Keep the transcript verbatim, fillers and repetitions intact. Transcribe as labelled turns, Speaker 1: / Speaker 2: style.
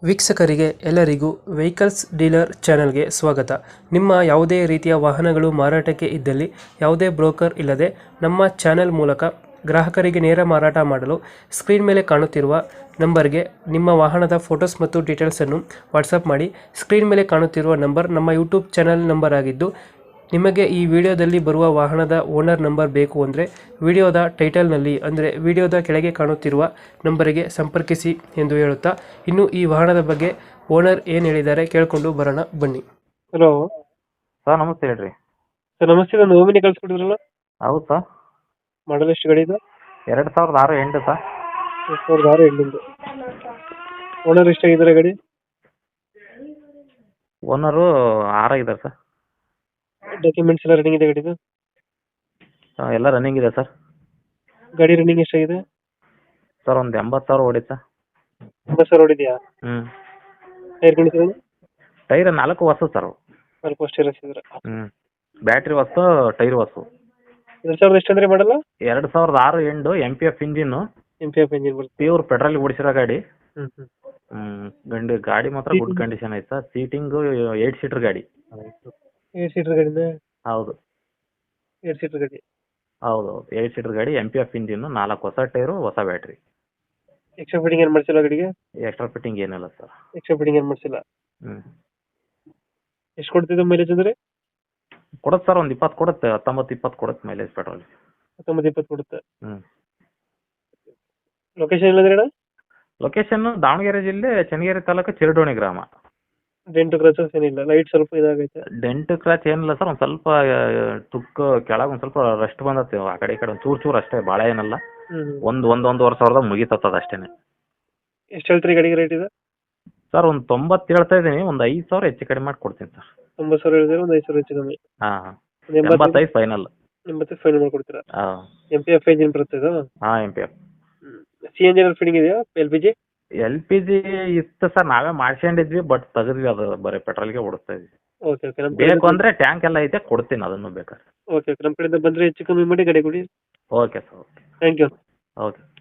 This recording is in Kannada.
Speaker 1: ವೀಕ್ಷಕರಿಗೆ ಎಲ್ಲರಿಗೂ ವೆಹಿಕಲ್ಸ್ ಡೀಲರ್ ಚಾನೆಲ್ಗೆ ಸ್ವಾಗತ. ನಿಮ್ಮ ಯಾವುದೇ ರೀತಿಯ ವಾಹನಗಳು ಮಾರಾಟಕ್ಕೆ ಇದ್ದಲ್ಲಿ ಯಾವುದೇ ಬ್ರೋಕರ್ ಇಲ್ಲದೆ ನಮ್ಮ ಚಾನೆಲ್ ಮೂಲಕ ಗ್ರಾಹಕರಿಗೆ ನೇರ ಮಾರಾಟ ಮಾಡಲು ಸ್ಕ್ರೀನ್ ಮೇಲೆ ಕಾಣುತ್ತಿರುವ ನಂಬರ್ಗೆ ನಿಮ್ಮ ವಾಹನದ ಫೋಟೋಸ್ ಮತ್ತು ಡೀಟೇಲ್ಸನ್ನು ವಾಟ್ಸಪ್ ಮಾಡಿ. ಸ್ಕ್ರೀನ್ ಮೇಲೆ ಕಾಣುತ್ತಿರುವ ನಂಬರ್ ನಮ್ಮ ಯೂಟ್ಯೂಬ್ ಚಾನೆಲ್ ನಂಬರ್ ಆಗಿದ್ದು, ನಿಮಗೆ ಈ ವಿಡಿಯೋದಲ್ಲಿ ಬರುವ ವಾಹನದ ಓನರ್ ನಂಬರ್ ಬೇಕು ಅಂದರೆ ವಿಡಿಯೋದ ಟೈಟಲ್ನಲ್ಲಿ ಅಂದರೆ ವಿಡಿಯೋದ ಕೆಳಗೆ ಕಾಣುತ್ತಿರುವ ನಂಬರಿಗೆ ಸಂಪರ್ಕಿಸಿ ಎಂದು ಹೇಳುತ್ತಾ, ಇನ್ನು ಈ ವಾಹನದ ಬಗ್ಗೆ ಓನರ್ ಏನು ಹೇಳಿದ್ದಾರೆ ಕೇಳಿಕೊಂಡು ಬರೋಣ ಬನ್ನಿ. ಹಲೋ
Speaker 2: ಸರ್ ನಮಸ್ತೆ ಹೇಳ್ರಿ.
Speaker 1: ಸರ್ ನಮಸ್ತೆ, ನಾನು ಓಮಿನಿ ಕಳಿಸ್ಕೊಟ್ಟಿದ್ರಲ್ಲ,
Speaker 2: ಹೌದು ಸರ್.
Speaker 1: ಮಾಡಲ್ ಎಷ್ಟು ಗಾಡಿ ಇದು?
Speaker 2: ಎರಡು ಸಾವಿರದ ಆರು ಎಂಟು ಸರ್.
Speaker 1: ಎರಡು ಸಾವಿರದ ಆರು ಎಂಟು ಓನರ್ ಎಷ್ಟಾಗಿದ್ದಾರೆ ಗಾಡಿ?
Speaker 2: ಓನರು ಆರಾಗಿದ್ದಾರೆ ಸರ್.
Speaker 1: ಡಾಕ್ಯುಮೆಂಟ್ಸ್ ಎಲ್ಲ ರನ್ನಿಂಗ್ ಇದೆ ಗಾಡಿದು?
Speaker 2: ಆ, ಎಲ್ಲ ರನ್ನಿಂಗ್ ಇದೆ ಸರ್.
Speaker 1: ಗಾಡಿ ರನ್ನಿಂಗ್ ಎಷ್ಟಾಗಿದೆ?
Speaker 2: ಸರ್ ಒಂದು ಎಂಬತ್ತು ಸಾವಿರ ಓಡಿದೆ ಸರ್.
Speaker 1: ಎಂಬತ್ತು ಸಾವಿರ ಹೊಡಿದೆಯಾ?
Speaker 2: ಹ್ಞೂ.
Speaker 1: Tyre condition?
Speaker 2: ಟೈರ್ ನಾಲ್ಕು ಹೊಸ ಸರ್.
Speaker 1: ಸ್ವಲ್ಪ ಅಷ್ಟೇ ರಸಿದ್ರೆ.
Speaker 2: ಹ್ಞೂ. ಬ್ಯಾಟ್ರಿ ಹೊಸ, ಟೈರ್ ಹೊಸ.
Speaker 1: ಎರಡು ಸಾವಿರದ ಎಷ್ಟು ಅಂದರೆ ಮಾಡಲ್ಲ?
Speaker 2: ಎರಡು ಸಾವಿರದ ಆರು ಎಂಟು M P F engine,
Speaker 1: M P F engine ಬರುತ್ತೆ.
Speaker 2: ಪ್ಯೂರ್ ಪೆಟ್ರೋಲ್ ಓಡಿಸಿರೋ ಗಾಡಿ.
Speaker 1: ಹ್ಞೂ ಹ್ಞೂ
Speaker 2: ಹ್ಞೂ. ಗಂಡು ಗಾಡಿ ಮಾತ್ರ ಗುಡ್ ಕಂಡೀಷನ್ ಐತೆ ಸರ್. ಸೀಟಿಂಗು ಏಯ್ಟ್ ಸೀಟರ್ ಗಾಡಿ.
Speaker 1: ಏಟ್ ಸೀಟರ್ ಗಾಡಿನ?
Speaker 2: ಹೌದು.
Speaker 1: ಏಟ್ ಸೀಟರ್ ಗಾಡಿ.
Speaker 2: ಹೌದು ಹೌದು ಏಯ್ಟ್ ಸೀಟರ್ ಗಾಡಿ, ಎಮ್ ಪಿ ಎಫ್ ಇಂಜಿನ್ನು, ನಾಲ್ಕು ಹೊಸ ಟೈರು, ಹೊಸ ಬ್ಯಾಟ್ರಿ.
Speaker 1: ಎಕ್ಸ್ಟ್ರಾ ಫಿಟ್ಟಿಂಗ್ ಏನು ಮಾಡಿಸಿಲ್ಲ ಗಾಡಿಗೆ?
Speaker 2: ಎಕ್ಸ್ಟ್ರಾ ಫಿಟ್ಟಿಂಗ್ ಏನಿಲ್ಲ ಸರ್.
Speaker 1: ಎಕ್ಸ್ಟ್ರಾ ಫಿಟ್ಟಿಂಗ್ ಏನು ಮಾಡಿಸಿಲ್ಲ.
Speaker 2: ಹ್ಞೂ.
Speaker 1: ಎಷ್ಟು ಕೊಡ್ತಿದ್ದೆ ಮೈಲೇಜ್ ಅಂದರೆ?
Speaker 2: ಕೊಡುತ್ತೆ ಸರ್, ಒಂದು ಇಪ್ಪತ್ತು ಕೊಡುತ್ತೆ, ಹತ್ತೊಂಬತ್ತು ಇಪ್ಪತ್ತು ಕೊಡುತ್ತೆ ಮೈಲೇಜ್ ಪೆಟ್ರೋಲ್.
Speaker 1: ಹತ್ತೊಂಬತ್ತು ಇಪ್ಪತ್ತು ಕೊಡುತ್ತೆ.
Speaker 2: ಹ್ಞೂ.
Speaker 1: ಲೊಕೇಶನ್ ಎಲ್ಲಂದ್ರೆ ಅಣ್ಣ?
Speaker 2: ಲೊಕೇಶನ್ ದಾವಣಗೆರೆ ಜಿಲ್ಲೆ ಚನ್ನಗಿರಿ ತಾಲೂಕು ಚಿರಡೋಣಿ ಗ್ರಾಮ.
Speaker 1: ಡೆಂಟು ಕ್ರಚಸ್ ಏನಿಲ್ಲ, ಲೈಟ್ ಸ್ವಲ್ಪ ಇದಾಗೈತೆ.
Speaker 2: ಡೆಂಟ್ ಕ್ರಾಚ್ ಏನಿಲ್ಲ ಸರ್, ಒಂದು ಸ್ವಲ್ಪ ಆ, ತುಕ್ಕು ಕೆಳಗೆ ಒಂದು ಸ್ವಲ್ಪ ರಸ್ಟ್ ಬಂದತ್ತೆ, ಆ ಕಡೆ ಈ ಕಡೆ ಒಂದು ಚೂರು ಚೂರು ಅಷ್ಟೇ, ಭಾಳ ಏನಲ್ಲ.
Speaker 1: ಹ್ಞೂ
Speaker 2: ಒಂದು ಒಂದು ಒಂದೂವರೆ ಸಾವಿರದಾಗ ಮುಗಿತತ್ತದ ಅಷ್ಟೇ.
Speaker 1: ಎಷ್ಟು ಹೇಳ್ತೀರಿ ಗಾಡಿಗೆ ರೇಟ್ ಇದೆ?
Speaker 2: ಸರ್ ಒಂದು ತೊಂಬತ್ತು ಹೇಳ್ತಾ ಇದ್ದೀನಿ, ಒಂದು ಐದು ಸಾವಿರ ಹೆಚ್ಚು ಕಡಿಮೆ ಮಾಡಿ ಕೊಡ್ತೀನಿ ಸರ್.
Speaker 1: ತೊಂಬತ್ತು ಸಾವಿರ ಹೇಳಿದ್ರೆ ಒಂದು ಐದು ಸಾವಿರ ಹೆಚ್ಚು ಕಮ್ಮಿ.
Speaker 2: ಹಾಂ ಹಾಂ.
Speaker 1: ಒಂದು ಎಂಬತ್ತೈದು
Speaker 2: ಎಂಬತ್ತೈದು ಫೈನಲ್.
Speaker 1: ಎಂಬತ್ತೈದು ಫೈನಲ್ ಮಾಡ್ಕೊಡ್ತೀರಾ?
Speaker 2: ಹಾಂ
Speaker 1: ಎಂ ಪಿ ಎಫ್ ಇಂಜಿನ್ ಬರುತ್ತೆ ಇದು?
Speaker 2: ಹಾಂ M P F.
Speaker 1: C N G fitting ಇದೆಯಾ? L P G?
Speaker 2: L P G ಇತ್ತು ಸರ್, ನಾವೇ ಮಾಡ್ಕೊಂಡಿದ್ವಿ, ಬಟ್ ತೆಗೆದ್ವಿ, ಅದು ಬರೀ ಪೆಟ್ರೋಲ್ಗೆ ಓಡಿಸ್ತಾ ಇದ್ವಿ.
Speaker 1: ಓಕೆ ಓಕೆ ನಮ್ಮ
Speaker 2: ಬೇಕು ಅಂದರೆ ಟ್ಯಾಂಕ್ ಎಲ್ಲ ಐತೆ, ಕೊಡ್ತೀನಿ ಅದನ್ನು ಬೇಕಾದ್ರೆ.
Speaker 1: ಓಕೆ ಓಕೆ ನಮ್ಮ ಕಡೆಯಿಂದ ಬಂದರೆ ಹೆಚ್ಚು ಕಮ್ಮಿ ಮಾಡಿ ಗಾಡಿ ಕೊಡಿ.
Speaker 2: Okay sir. Okay.
Speaker 1: Thank you.
Speaker 2: Okay.